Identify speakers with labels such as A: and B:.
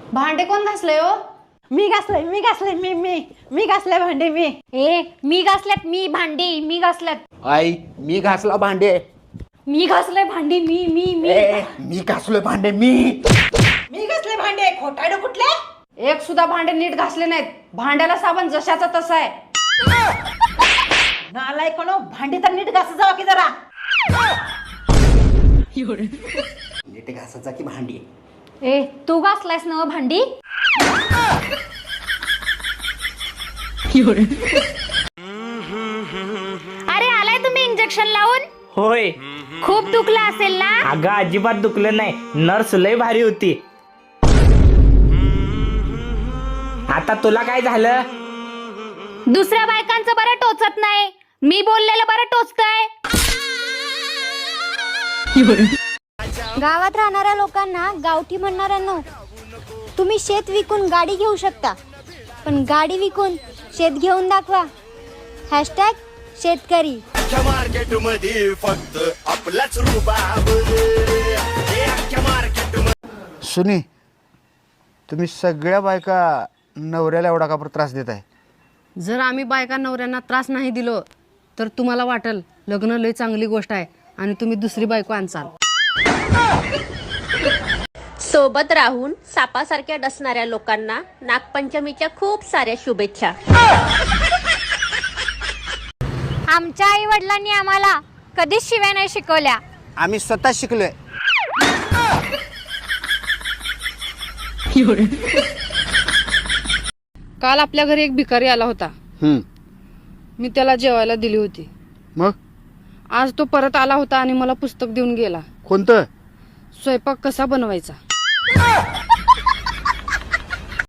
A: भांडे कोण घासले हो?
B: मी घासले मी घासले भांडे मी.
C: मी घासल्यात मी भांडी मी घासल्यात
D: आई मी घासला भांडे.
C: मी घासलंय भांडी मी
D: मी घासलोय भांडे मी.
B: मी घासले भांडे. खोटाडे कुठले?
A: एक सुद्धा भांडे नीट घासले नाहीत. भांड्याला साबण जशाचा तसा आहे.
B: नालाय कोण भांडी तर नीट घास जावा की जरा.
D: नीट घासायचा की भांडी.
C: तू घासलायस ना भांडी. अरे आलाय तुम्ही इंजेक्शन लावून.
E: होय.
C: खूप दुखला असेल ना.
E: अगं अजिबात दुखलं नाही. नर्स लय भारी होती. आता तुला काय झालं?
C: दुसऱ्या बायकांचं बरं टोचत नाही. मी बोललेलं बरं टोचतंय.
F: गावात राहणाऱ्या लोकांना गावठी म्हणणाऱ्यांना तुम्ही शेत विकून गाडी घेऊ शकता, पण गाडी विकून शेत घेऊन दाखवा. हॅशटॅग शेतकरी.
G: मार्केटमध्ये फक्त आपलाच रुबाब.
D: सुनी तुम्ही सगळ्या बायका नवऱ्याला एवढा का त्रास देत आहे?
A: जर आम्ही बायका नवऱ्यांना त्रास नाही दिलो तर तुम्हाला वाटेल लग्न लय चांगली गोष्ट आहे आणि तुम्ही दुसरी बायको आणचाल.
H: सोबत राहून सापासारख्या डसणाऱ्या लोकांना नागपंचमीच्या खूप साऱ्या शुभेच्छा.
C: आमच्या आई वडिलांनी आम्हाला कधीच शिव्या नाही शिकवल्या.
D: आम्ही स्वतः शिकलोय.
A: काल आपल्या घरी एक भिकारी आला होता. मी त्याला जेवायला दिली होती.
D: मग
A: आज तो परत आला होता आणि मला पुस्तक देऊन गेला.
D: कोणतं?
A: स्वयंपाक कसा बनवायचा.